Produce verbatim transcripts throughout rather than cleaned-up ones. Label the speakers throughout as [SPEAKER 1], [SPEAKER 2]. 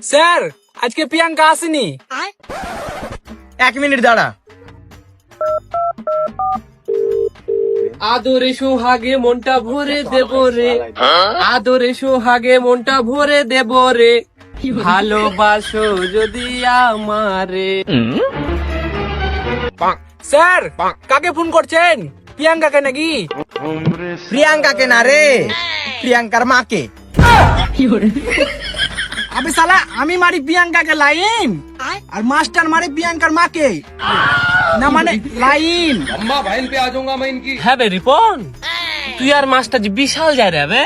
[SPEAKER 1] Sir আজকে প্রিয়াঙ্কা আসেনি।
[SPEAKER 2] এক মিনিট দাঁড়া।
[SPEAKER 3] আদরে সোহাগে মনটা ভরে দেব রে, আদরে সোহাগে মনটা ভরে দেব রে, ভালোবাসো যদি আমারে।
[SPEAKER 1] স্যার কাকে ফোন করছেন? প্রিয়াঙ্কাকে নাকি?
[SPEAKER 2] প্রিয়াঙ্কাকে না রে, প্রিয়াঙ্কার মাকে।
[SPEAKER 1] আবে সালা আমি মারি প্রিয়াঙ্কাকে লাইন আর মাস্টার মারি প্রিয়াঙ্কার মাকে না, মানে লাইন।
[SPEAKER 3] হ্যাঁ বে রিপন, তুই আর মাস্টার জি বিশাল যায় রে বে।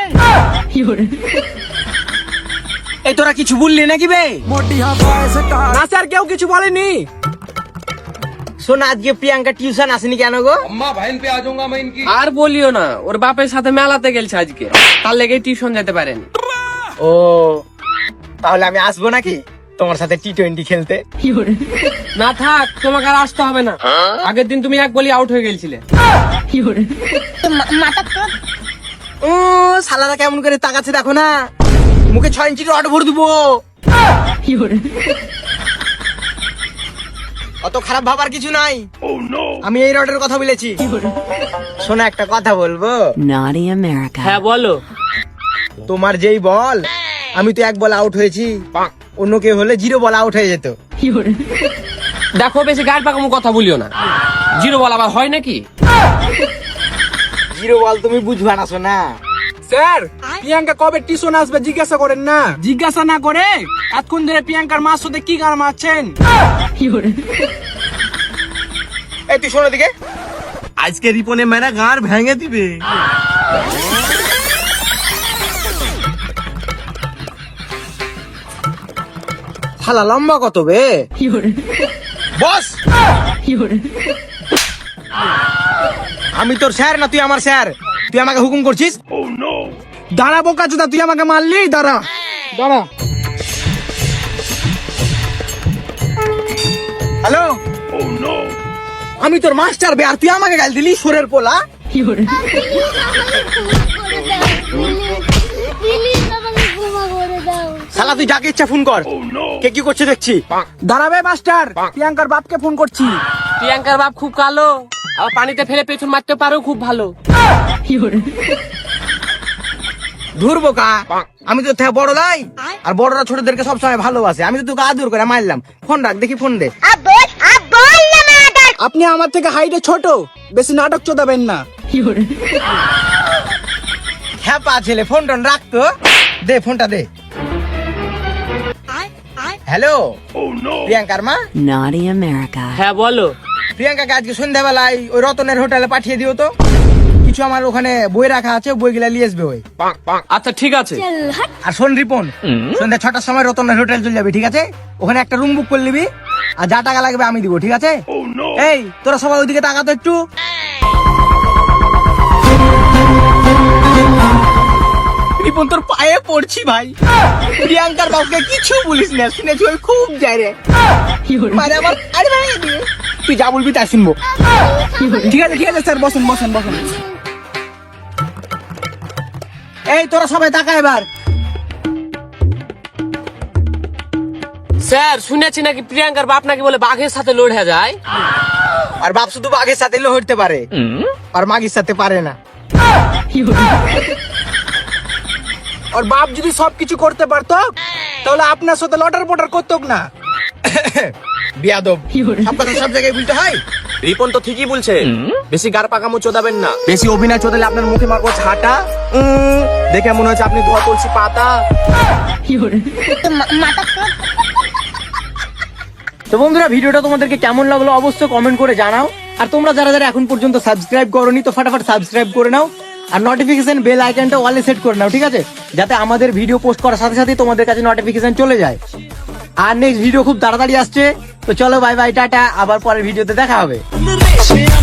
[SPEAKER 2] এই তোরা কিছু বললি নাকি বে?
[SPEAKER 1] না স্যার কেউ কিছু বলেনি।
[SPEAKER 2] শোন, আজকে প্রিয়াঙ্কা টিউশন আসেনি কেন গো?
[SPEAKER 3] আর বলিও না, ওর বাপের সাথে মেলাতে গেলছে আজকে, তার লেগে টিউশন যেতে পারেন।
[SPEAKER 2] ও তাহলে আমি আসবো নাকি তোমার সাথে টি টোয়েন্টি খেলতে?
[SPEAKER 3] না থাক, তোমাকে আর আসতে হবে না। আগের দিন তুমি এক বলি আউট হয়ে গেছিলে।
[SPEAKER 2] ও শালারা কেমন করে তাকাচ্ছে দেখো না, মুখে ছয় ইঞ্চি রড ভরে দেবো। অত খারাপ ভাবার কিছু নাই, আমি এই রডের কথা বলেছি। শোনা একটা কথা বলবো?
[SPEAKER 4] Naughty America.
[SPEAKER 3] হ্যাঁ বলো।
[SPEAKER 2] তোমার যেই বল, আমি তো এক বল আউট হয়েছি, অন্য কেউ হলে জিরো বল আউট হয়ে যেত।
[SPEAKER 3] দেখো বেশি গায়ের পাকামো কথা বলিও না, জিরো বল আবার হয় নাকি?
[SPEAKER 2] জিরো বল তুমি বুঝবা না শোনা।
[SPEAKER 1] স্যার প্রিয়াঙ্কা কবে টিউশন আসবে জিজ্ঞাসা করেন না। জিজ্ঞাসা না করে এতক্ষণ ধরে প্রিয়াঙ্কার মার সাথে কি গান মারছেন?
[SPEAKER 2] এই তুই শোনো দিকে,
[SPEAKER 5] আজকে রিপনে মেরা গাঁর ভেঙে দিবে।
[SPEAKER 2] শালা লম্বা কত বে? বস, আমি তোর স্যার না তুই আমার স্যার? তুই আমাকে হুকুম করছিস?
[SPEAKER 1] দাঁড়া বোকা চোদা, তুই আমাকে মারলি। দাঁড়া দাঁড়া।
[SPEAKER 2] হ্যালো, আমি তোর মাস্টার বে, আর তুই আমাকে গাল দিলি সোরের পোলা। শালা তুই যাকে ইচ্ছা ফোন কর, কে কি করছে দেখছি।
[SPEAKER 1] দাঁড়াবে মাস্টার, প্রিয়াঙ্কার বাপকে ফোন করছি।
[SPEAKER 3] প্রিয়াঙ্কার বাপ খুব কালো, আর পানিতে ফেলে পেছন মারতে পারো খুব ভালো।
[SPEAKER 2] ধুর বোকা, আমি তো থেকে বড় লাই, আর বড়রা ছোটদেরকে সবসময় ভালোবাসে। আমি তো তোকে আদর করে মারলাম। ফোন রাখ দেখি, ফোন দে।
[SPEAKER 1] আপনি আমার থেকে হাইটে ছোট, বেশি নাটক চোদাবেন না।
[SPEAKER 2] হ্যাঁ পা ছেলে, ফোন টোন রাখতো, দে ফোনটা দে। হ্যালো, প্রিয়াঙ্কার মা?
[SPEAKER 4] Naughty America.
[SPEAKER 3] হ্যাঁ বলো।
[SPEAKER 2] প্রিয়াঙ্কাকে আজকে সন্ধ্যাবেলায় ওই রতনের হোটেলে পাঠিয়ে দিও তো। কিছু আমার ওখানে বই রাখা আছে, বইগুলা নিয়ে আসবে ওই।
[SPEAKER 3] আচ্ছা ঠিক আছে।
[SPEAKER 2] আর শোন রিপন, সন্ধ্যা ছটার সময় রতনের হোটেল চলে যাবি, ঠিক আছে? ওখানে একটা রুম বুক করে নিবি, আর যা টাকা লাগবে আমি দিব, ঠিক আছে? এই তোরা সবাই ওইদিকে তাকাতো একটু। রিপন তোর পায়ে পড়ছি ভাই, প্রিয়াঙ্কার বাবুকে কিছু বলিস না, শুনেছি ওই খুব যায় রে। মানে আমার আরে ভাই, তুই যা বলবি তাই শুনবো।
[SPEAKER 1] ঠিক আছে ঠিক আছে স্যার, বসুন বসুন বসুন।
[SPEAKER 2] এই তোরা সবাই তাকা এবার।
[SPEAKER 3] স্যার শুনেছি নাকি প্রিয়াঙ্কার বাপ নাকি বলে বাঘের সাথে লড়ে যায়।
[SPEAKER 2] আর বাপ শুধু বাঘের সাথে লড়তে পারে, আর মাগির সাথে পারে না।
[SPEAKER 1] আর বাপ যদি সবকিছু করতে পারতো তাহলে আপনার সাথে লটার পটার করতো না।
[SPEAKER 2] বিয়াদব, সব কথা সব জায়গায় বলতে হয়।
[SPEAKER 5] রিপন তো ঠিকই বলছে, বেশি গার পাকামো চোদাবেন না।
[SPEAKER 2] বেশি অভিনয় চোদালে আপনার মুখে মারবো ছাটা। উম, দেখে মনে হচ্ছে আপনি ধোয়া করছি পাতা। তো বন্ধুরা, ভিডিওটা তোমাদেরকে কেমন লাগলো অবশ্যই কমেন্ট করে জানাও। আর তোমরা যারা যারা এখন পর্যন্ত সাবস্ক্রাইব করোনি, তো ফটাফট সাবস্ক্রাইব করে নাও, আর নোটিফিকেশন বেল আইকনটা অলে সেট করে নাও, ঠিক আছে? যাতে আমাদের ভিডিও পোস্ট করার সাথে সাথে তোমাদের কাছে নোটিফিকেশন চলে যায়। আর নেক্সট ভিডিও খুব তাড়াতাড়ি আসছে, তো চলো বাই বাই, টাটা, আবার পরের ভিডিওতে দেখা হবে।